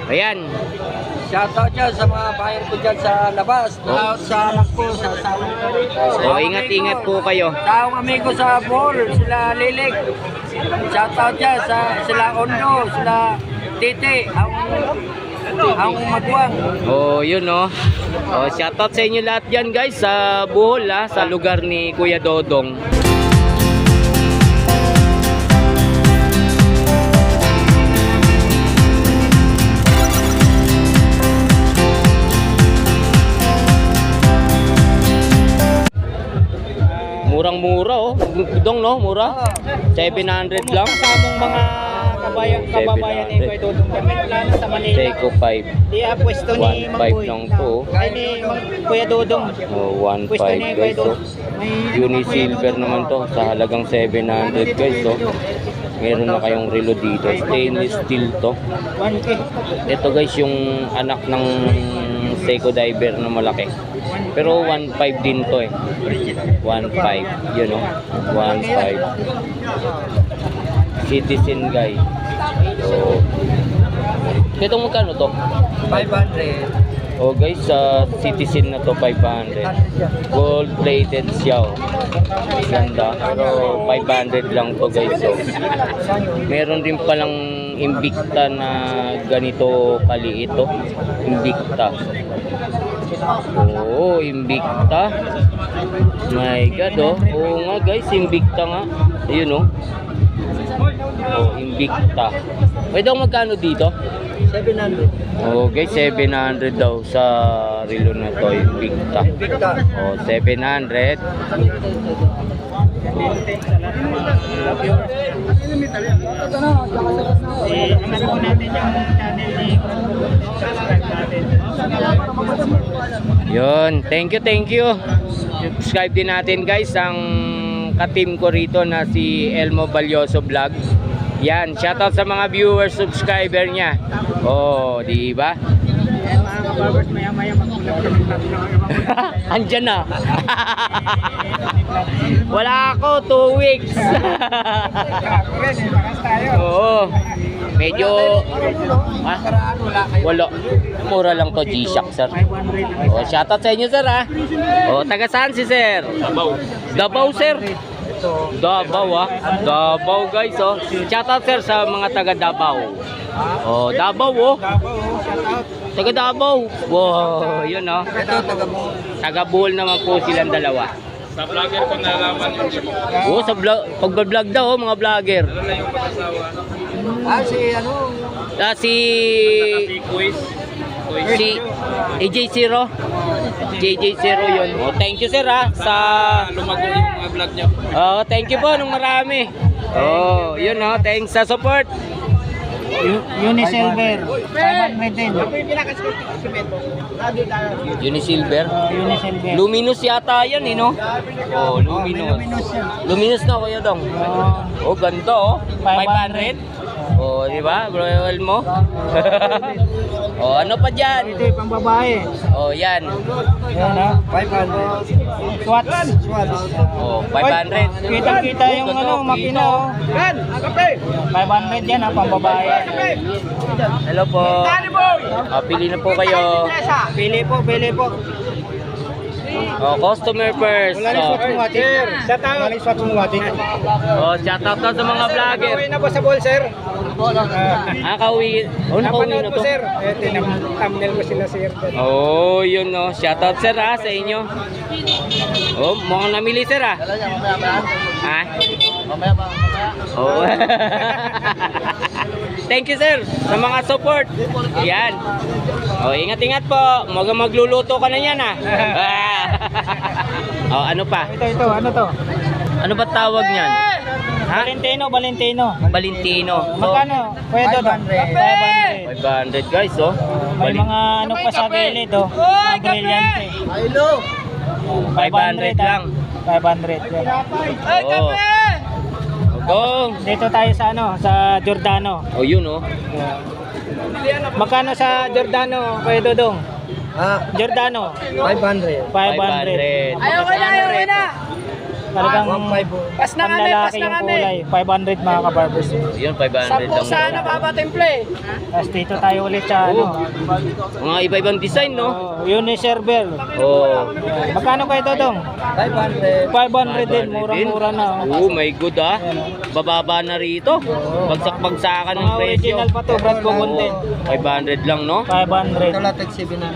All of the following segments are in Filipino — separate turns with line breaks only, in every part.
Ayan.
Shoutout dyan sa mga bayan ko dyan sa labas. Sa anak ko, sa asawa ko rito.
O, ingat-ingat po kayo.
Sa akong amigo sa Bohol, sila Lilig. Shoutout dyan sa sila Ondo, sila Titi, ang magwang.
Oh, yun oh. Oh, shoutout sa inyo lahat diyan guys sa Bohol sa lugar ni Kuya Dodong. Murang-mura oh. Dong no, mura. 700 lang.
Kasamong mga kababayan ni Kuya Dodong kami wala na sa Manila.
Seiko 5.
Di pwesto ni
1.5
Mangboy.
lang to.
Ay ni Kuya Dodong.
Oh,
Pwesto
1.5
ni Kuya
guys oh.
Dodong. May
Unisilver naman to sa halagang 700 guys oh. Meron na kayong relo dito. Stainless steel to.
1K.
Ito guys yung anak ng Seiko Diver na malaki. Pero 1.5 din to eh. 1.5. Yun oh. 1.5. Citizen guys. So, ito magkano to?
500.
Oh guys, sa Citizen na to 500. Gold plated siya. Oh. Ganda. Pero 500 lang to guys. So, meron din palang Invicta na ganito kaliit to. Invicta. Oh, Invicta. My God oh. Oo nga guys, Invicta nga. Ayun oh. Oh, Invicta. Pwede ako magkano dito?
700.
Oh guys, 700 daw sa relo na to, Invicta. Oh, 700.
Ano po natin yung channel ni subscribe natin.
Yun, thank you. Subscribe din natin guys ang ka-team ko rito na si Elmo Balyoso Vlog. Yan, shoutout sa mga viewers, subscriber niya. Oh, di ba?
Ayan mga kabarbers, maya-maya mag-vlog.
Andyan na. Wala ako, 2 weeks. Oo. Medyo wala. Mura lang to, G-Shock sir. Oh, shoutout sa inyo sir ha. Oh, taga saan si sir? Davao sir. Davao Davao guys oh. Shoutout sir sa mga taga Davao. Oh, Davao oh. Taga Davao. Wow, yun oh. Taga Bohol naman po silang dalawa.
Sa vlogger ko nalaman yung
Oh, sa vlog, pag-vlog daw oh, mga vlogger.
ano na yung pag-asawa.
Si ano?
Si
Quiz.
si AJ0. JJ0 yun. Oh, thank you sir ha sa
Lumago yung mga vlog niyo.
oh, thank you po nung marami. Oh, yun oh, thanks sa support.
Unisilver. 500 din.
Unisilver.
Unisilver.
Luminous yata yan eh no? Oh, luminous. Luminous na kuya dong. Oh, ganda oh. 500. Oh, di ba? Royal mo. Oh, ano pa diyan?
Ito yung pang babae.
Oh, yan.
Yan ha.
500.
Swats.
Oh, 500.
Kitang-kita yung ano, makina oh. 500 yan ha, pang babae.
Hello po. Pili na po kayo.
Pili po.
Oh, customer first. Oh,
Shout out. Maling swats mo ati.
oh shout out sa mga vlogger.
Uwi na po sa ball, sir.
Kauwi. Oh, nakauwi na to.
sir. Thumbnail ko sila, sir.
Oh, yun no. Shout out sir ha sa inyo. Oh, mukhang namili sir ha. Ha? Oh. Thank you sir sa mga support. Yan. Oh, ingat-ingat po. Magluluto ka na yan ha. Oh, ano pa?
Ito, ano to?
Ano ba tawag niyan? Ha?
Valentino.
Valentino.
Magkano? Kuya Dodo? 500.
500 guys oh.
May mga ano pa sa gilid oh. Mga brilyante.
500 lang.
500 yan.
Oh. Go.
Dito tayo sa ano, sa Giordano.
Oh, yun oh.
Magkano sa Giordano, Kuya Dodong?
Ah,
Giordano.
500.
500.
Ayaw ko na.
Talagang
Pas na kami, pas
panlalaki
na
yung
kami.
kulay. 500 mga kabarbers.
Yun, 500
Sampu
lang.
sana babatimple.
Tapos dito tayo ulit sa ano.
Mga iba-ibang design, no?
Uniserver.
Oh.
Magkano kayo Dodong?
500.
500 din, murang-mura na.
Oh my god ah. Bababa na rito. Bagsak-bagsakan ng
Mga
presyo.
original pa to, Brad Comuntin.
500 lang, no?
500.
Talatag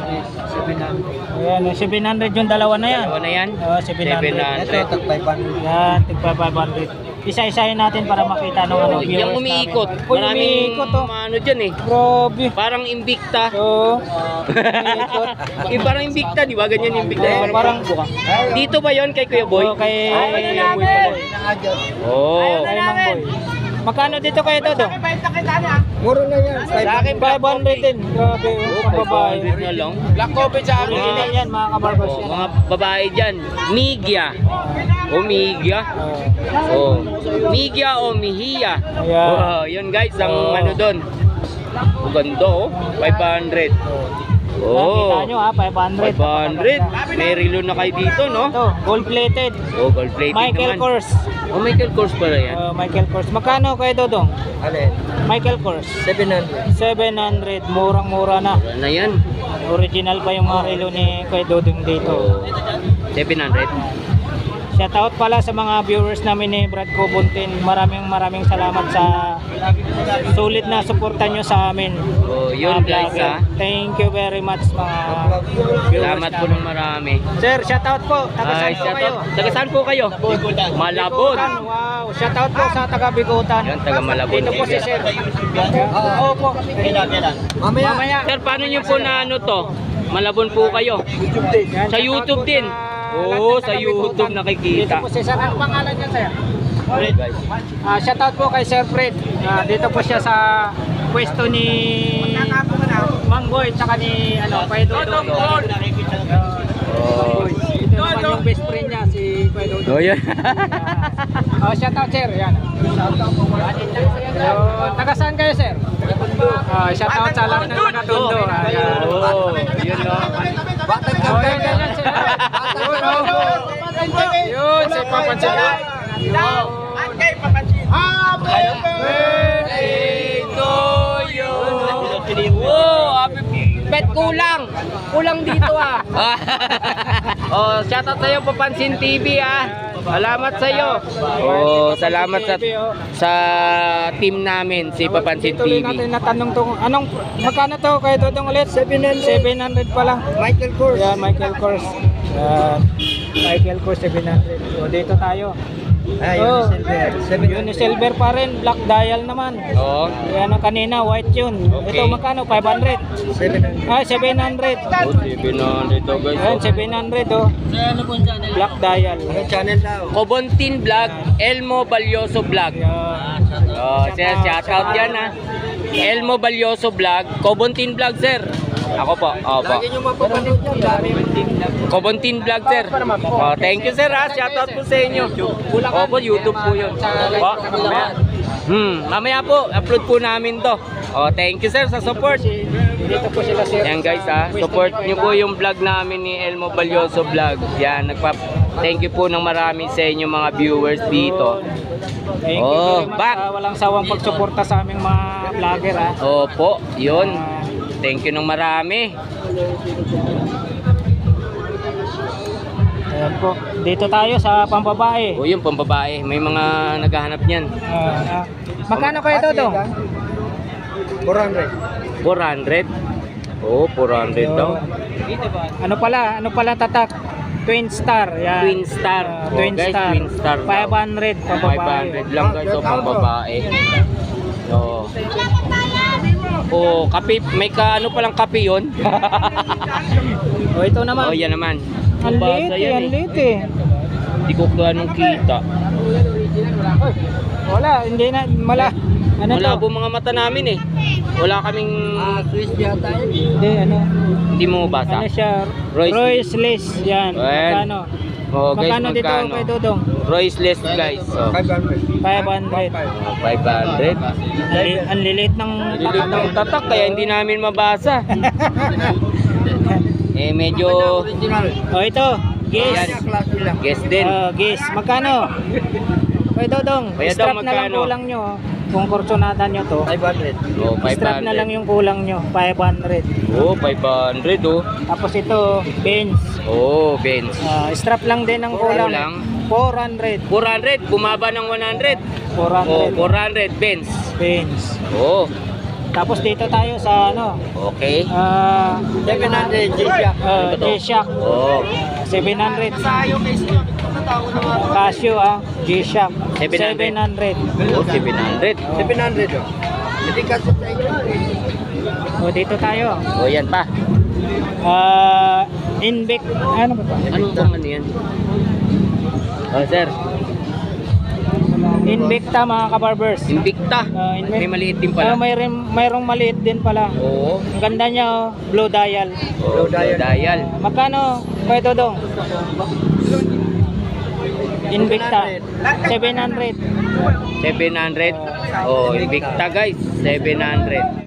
700.
Ayan, 700 yung dalawa na yan.
Dalawa na yan?
Oo, 700.
700.
tag 500.
Yan, tigpa 500. Isa-isahin natin para makita ng ano,
Oh,
viewers
yung umiikot.
namin. Uy,
Maraming
umiikot oh.
ano dyan eh.
Grabe.
Parang Invicta.
Oo. Umiikot.
Yung parang Invicta, di ba? Ganyan yung Invicta.
Oo, parang
Dito ba yon kay Kuya Boy?
Oo, kay Kuya Boy pala.
Oh.
Kay Mang Boy. Magkano dito kayo Dodong?
Muro na yan.
Sa akin 500 din. Grabe,
Oh,
ang babae.
500 na lang.
Black coffee sa
Original yan mga kabarbers
Oh,
yan.
mga babae dyan. Migya. O Migya.
Oo.
Oh. Migya o Mihiya.
Ayan.
Oh, yun guys, ang
Oh.
ano doon. Ang ganda oh. 500.
Nakita
Oh.
nyo ha, 500.
500. May relo na kayo dito, no?
Ito, gold plated.
Oh, gold plated
Michael
naman.
Kors.
Oh, Michael Kors pala yan.
Michael Kors. Magkano kayo Dodong?
Alin?
Michael Kors.
700.
700. Murang-mura na.
Wala na yan.
Original pa yung mga relo ni Kuya Dodong dito.
Oh. 700.
Shout out pala sa mga viewers namin ni Brad Cobuntin. Maraming salamat sa sulit na suporta nyo sa amin.
Oh, yun
Mga
guys
vlogger.
ha.
Thank you very much mga viewers
Salamat po ng
namin.
marami.
Sir, shout out po. Taga saan po kayo?
Taga saan po kayo? Malabon.
Bigutan. Wow, shout out po sa taga Bigutan.
Yan, taga Malabon.
Dito po si Sir. Oo po.
Mamaya.
Sir, paano nyo po na ano to? Malabon po kayo.
Yan,
Sa
shout out
YouTube
po
din.
sa
Oo,
lahat ng
sa
taga
YouTube
Bigutan.
nakikita.
Dito po si Sir. Ano pangalan niya, Sir?
Guys.
Shout out po kay Sir Fred. Dito po siya sa pwesto ni Mang Boy tsaka ni Kuya Dodong.
Oh.
Ito naman yung best friend niya si Kuya Dodong.
Oh, yan.
Shout out sir, yan. So, taga saan kayo sir? Shout out sa lahat ng taga Tondo. Ayan.
Oh, yun no.
Oh, yan, ganyan sir. Yun, oh. Yun, si Papansin.
Birthday to you. Wow, happy bet kulang. Kulang dito ah. Oh, shout out sa iyo Papansin TV ah. Salamat sa iyo. Oh, salamat sa team namin si Papansin
Tuloy
TV.
natin natanong to. Magkano to kayo Dodong ulit? 700 pa lang.
Michael Kors.
Yan, Michael Kors. Michael Kors 700. So, dito tayo. Unisilver pa rin, black dial naman.
Oh.
Yan ang kanina, white yun.
Okay.
Ito magkano? 500?
700.
700.
Oh, TV na dito guys.
Yan, 700 oh. Black dial.
Ano channel daw?
Kobontin Vlog, Elmo Balyoso Vlog.
Yan.
Oh, sir, shout out yan ha. Elmo Balyoso Vlog, Kobontin Vlog sir. Ako po, opo.
Lagi nyo mapapanood yan. Dami.
Kobontin Vlog sir. Oh, thank you sir ha, shout out po sa inyo. Opo, YouTube po yun. Po, mamaya. Mamaya po, upload po namin to. Oh, thank you sir sa support.
Dito po sila sir.
Yan guys ha, support nyo po yung vlog namin ni Elmo Balyoso Vlog. Yan, thank you po ng marami sa inyo mga viewers dito.
Thank you
Oh,
very much.
back.
Walang sawang pagsuporta sa aming mga vlogger ha.
Opo, yun. Thank you ng marami.
Ayan po. Dito tayo sa pambabae.
O yun, pambabae. May mga naghahanap niyan.
Magkano kayo Dodong?
400.
400? Oo, 400 daw.
Ano pala tatak? Twin Star. Yan.
Twin Star.
Twin
guys,
Star.
Twin Star daw.
500 pambabae.
500 lang guys, o pambabae. Oo. Oh, kape, may ano palang kape yun?
O ito naman.
Oh, yan naman.
Ang
Basa
liit eh,
yan
ang liit eh.
Hindi ko ganong kita.
Wala, hindi na, ano
Malabo
to?
mga mata namin eh. Wala kaming,
Swiss yata yun.
Hindi, ano?
hindi mo basa.
Ano siya?
Royce.
Royce List, yan.
Ayan.
Magkano?
Oh, guys,
Magkano dito
magkano?
kay Dodong?
Royce list guys. So,
500.
500.
500.
Ang lilit ng
Lilit ng tatak kaya hindi namin mabasa. Medyo
O ito, guess.
klase lang.
Guess din.
Guess, magkano? Kuya Dodong,
Kuya
strap
Dong,
na lang
magkano?
kulang nyo. Kung kursunada nyo to,
500.
Oh,
strap na lang yung kulang nyo, 500.
Oh, 500 oh.
Tapos ito, Benz.
Oh, Benz.
Strap lang din ang kulang.
lang?
400.
400, bumaba ng 100.
400.
Oh, 400 Benz.
Benz.
Oh,
Tapos dito tayo sa ano,
okay.
700 G-Shock.
Ano ba to?
G-Shock.
Oh,
700. Casio G-Shock.
700.
700.
oh 700.
700 oh. Hindi kasi sa inyo.
O dito tayo.
Oh, yan pa.
Invic, ano ba to?
Anong bang ano yan? Oh, sir.
Invicta mga kabarbers.
Invicta.
Invicta.
May maliit din pala.
Mayroong maliit din pala.
Oo.
Ang ganda niya blue dial.
Oh, dial.
Magkano? Kuya Dodong? Invicta. 700.
700. Oh, Invicta guys. 700.